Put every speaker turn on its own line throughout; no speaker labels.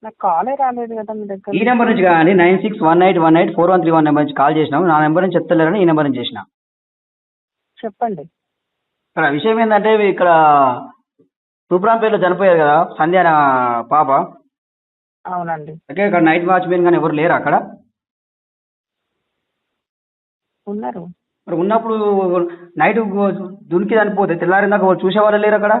నాకు కాలే రాలేదు కదా మీ దగ్గర
ఈ నెంబర్ నుంచి కానీ 9618184131 నెంబర్ నుంచి కాల్ చేసినాం. నా నెంబర్ నుంచి చెప్తలేరని ఈ నెంబర్ నుంచి చేసిన.
చెప్పండి.
ఇక్కడ విషయం ఏంటంటే ఇక్కడ తూప్రాంపేటలో చనిపోయారు కదా సంధ్య అనే పాప.
అవునండి.
ఓకే, ఇక్కడ నైట్ వాచ్మెన్ కానీ ఎవరు లేరు అక్కడ?
ఉన్నారు.
మరి ఉన్నప్పుడు నైట్ దునికి చనిపోతే తెల్లారిందాక చూసేవాళ్ళు లేరు అక్కడ?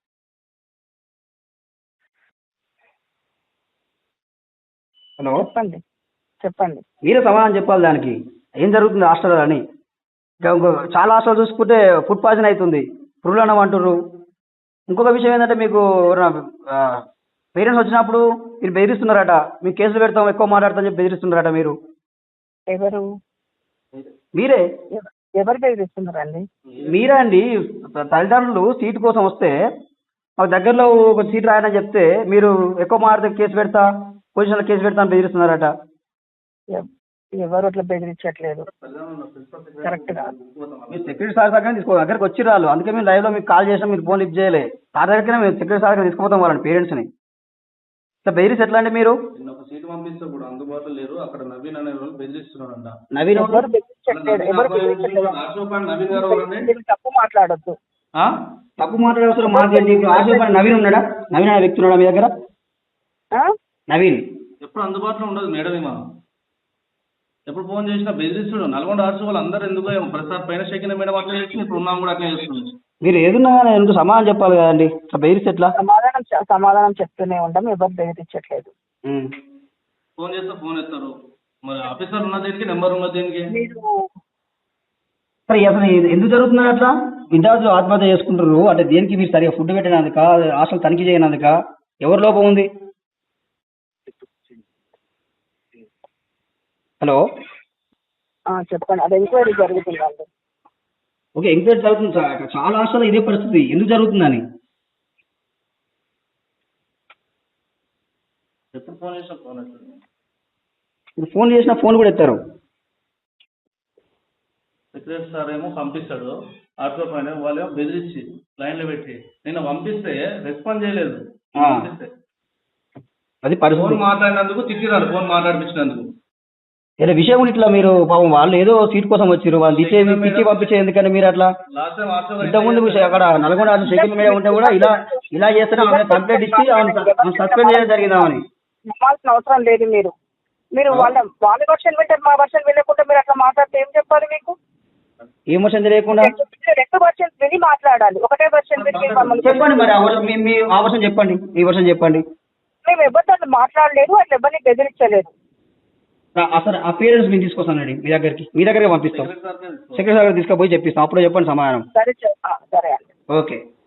హలో,
చెప్పండి చెప్పండి.
మీరే సమాధానం చెప్పాలి దానికి. ఏం జరుగుతుంది హాస్టల్ అని? ఇంకో చాలా హాస్టల్ చూసుకుంటే ఫుడ్ పాయిజన్ అవుతుంది, పురుగులన్నం అంటుర్రు. ఇంకొక విషయం ఏంటంటే మీకు పేరెంట్స్ వచ్చినప్పుడు మీరు బెదిరిస్తున్నారట, మీకు కేసులు పెడతాం ఎక్కువ మాట్లాడతాం చెప్పి బెదిరిస్తున్నారట. మీరు
ఎవరు
మీరే
ఎవరు బెదిరిస్తున్నారండి?
మీరే అండి. తల్లిదండ్రులు సీటు కోసం వస్తే మాకు దగ్గరలో ఒక సీట్ రాయని చెప్తే మీరు ఎక్కువ మాట్లాడితే కేసు పెడతా, పొజిషన్లో కేసు పెడతా అని బెదిరిస్తున్నారట.
ఎవరు అట్లా బెదిరించట్లేదు. కరెక్ట్ కాదు.
మీరు సెక్యూరిటీ సార్ దగ్గర దగ్గరకు వచ్చి రాళ్ళు, అందుకే మేము లైవ్లో మీకు కాల్ చేసినా మీరు ఫోన్ లిఫ్ట్ చేయలే. సార్ దగ్గరనే మేము సెక్యూరిటీ సార్ దగ్గర తీసుకుపోతాం వాళ్ళని పేరెంట్స్ని. ఇట్లా బెదిరిస్తే ఎట్లా అండి మీరు?
ఒక సీటు పంపిస్తే కూడా అందుబాటులో లేరు. అక్కడ నవీన్ అనే వాళ్ళు బెదిరిస్తున్నారంట.
నవీన్
ఎవరు బెదిరించట్లేదు. ఎవరు బెదిరించట్లేదు.
నవీన్ గారు ఎవరండి?
మీరు తప్పు మాట్లాడొద్దు.
తప్పు మాట్లాడే అవసరం మాకేంటి? ఇప్పుడు ఆశీర్వాద్ నవీన్ ఉన్నాడా? నవీన్ అనే వ్యక్తి ఉన్నాడా మీ దగ్గర?
ఆ?
నవీన్
ఎప్పుడు అందుబాటులో ఉండదు మేడం. ఏమో ఎప్పుడు ఫోన్ చేసినా బెదిరిస్తుడు. నల్గొండ ఆర్ట్స్ వాళ్ళు అందరూ ఎందుకో ప్రసాద్ పైన షెకిన మేడం అట్లా చేసి ఇప్పుడు ఉన్నాం కూడా అట్లా చేస్తుంది.
మీరు ఏదున్నా కానీ ఎందుకు సమాధానం చెప్పాలి కదండి. ఇట్లా బెదిరిస్తే ఎట్లా?
సమాధానం చెప్తూనే ఉంటాం. ఎవరు బెదిరించట్లేదు.
ఫోన్ చేస్తే ఫోన్ ఎత్తారు. మరి ఆఫీసర్ ఉన్న దేనికి, నెంబర్ ఉన్న దేనికి?
మీరు
సరే అసలు ఎందుకు జరుగుతున్నారు అట్లా? విద్యార్థులు ఆత్మహత్య చేసుకుంటారు అంటే దేనికి? మీరు సరిగా ఫుడ్ పెట్టినందుక, హాస్టల్ తనిఖీ చేయనందుక? ఎవరి లోపం ఉంది? హలో,
చెప్పండి. అది ఎంక్వైరీ జరుగుతుందండి.
ఓకే, ఎంక్వైరీ జరుగుతుంది సార్. అక్కడ చాలా హాస్టల్ ఇదే పరిస్థితి. ఎందుకు జరుగుతుందని?
ఎప్పుడు ఫోన్ చేసినా ఫోన్ ఎత్తారు.
ఇప్పుడు ఫోన్ చేసినా ఫోన్ కూడా ఎత్తారు.
సెక్రటరీ సార్ ఏమో పంపిస్తాడు ఆటో పైన, వాళ్ళు ఏమో బెదిరించి లైన్లో పెట్టి నేను పంపిస్తే రెస్పాండ్ చేయలేదు.
అది పరిస్థితి.
ఫోన్ మాట్లాడినందుకు తిట్టిరారు, ఫోన్ మాట్లాడిపించినందుకు.
ఇలా విషయం ఇట్లా మీరు పాపం వాళ్ళు ఏదో సీట్ కోసం వచ్చారు, వాళ్ళు తిట్టి పంపించే ఎందుకంటే మీరు అట్లా
లాస్ట్ టైం
ఇంతకుముందు అక్కడ నల్గొండ సెకండ్ మీడియా ఉంటే కూడా ఇలా చేస్తే ఆమె కంప్లైంట్ ఇచ్చి సస్పెండ్ చేయడం జరిగిందామని.
నమ్మాల్సిన అవసరం లేదు. మీరు వాళ్ళ వర్షన్ వింటారు, మా వర్షన్ వినకుండా మీరు అట్లా మాట్లాడితే ఏం చెప్పాలి? మీకు
ఏం వర్షన్ తెలియకుండా
రెండు వర్షన్ విని మాట్లాడాలి. ఒకటే వర్షన్ విని
చెప్పండి. మరి మీ ఆ వర్షన్ చెప్పండి, ఈ వర్షన్ చెప్పండి.
మేము ఎవరితో అట్లా మాట్లాడలేదు, అట్లా ఎవరిని బెదిరించలేదు.
అసలు ఆ పేరెంట్స్ మేము తీసుకొస్తానండి మీ దగ్గరికి పంపిస్తాం. సెక్రటరీ సార్ తీసుకుపోయి చెప్పిస్తాం, అప్పుడు చెప్పండి సమాధానం.
సరే అండి.
ఓకే.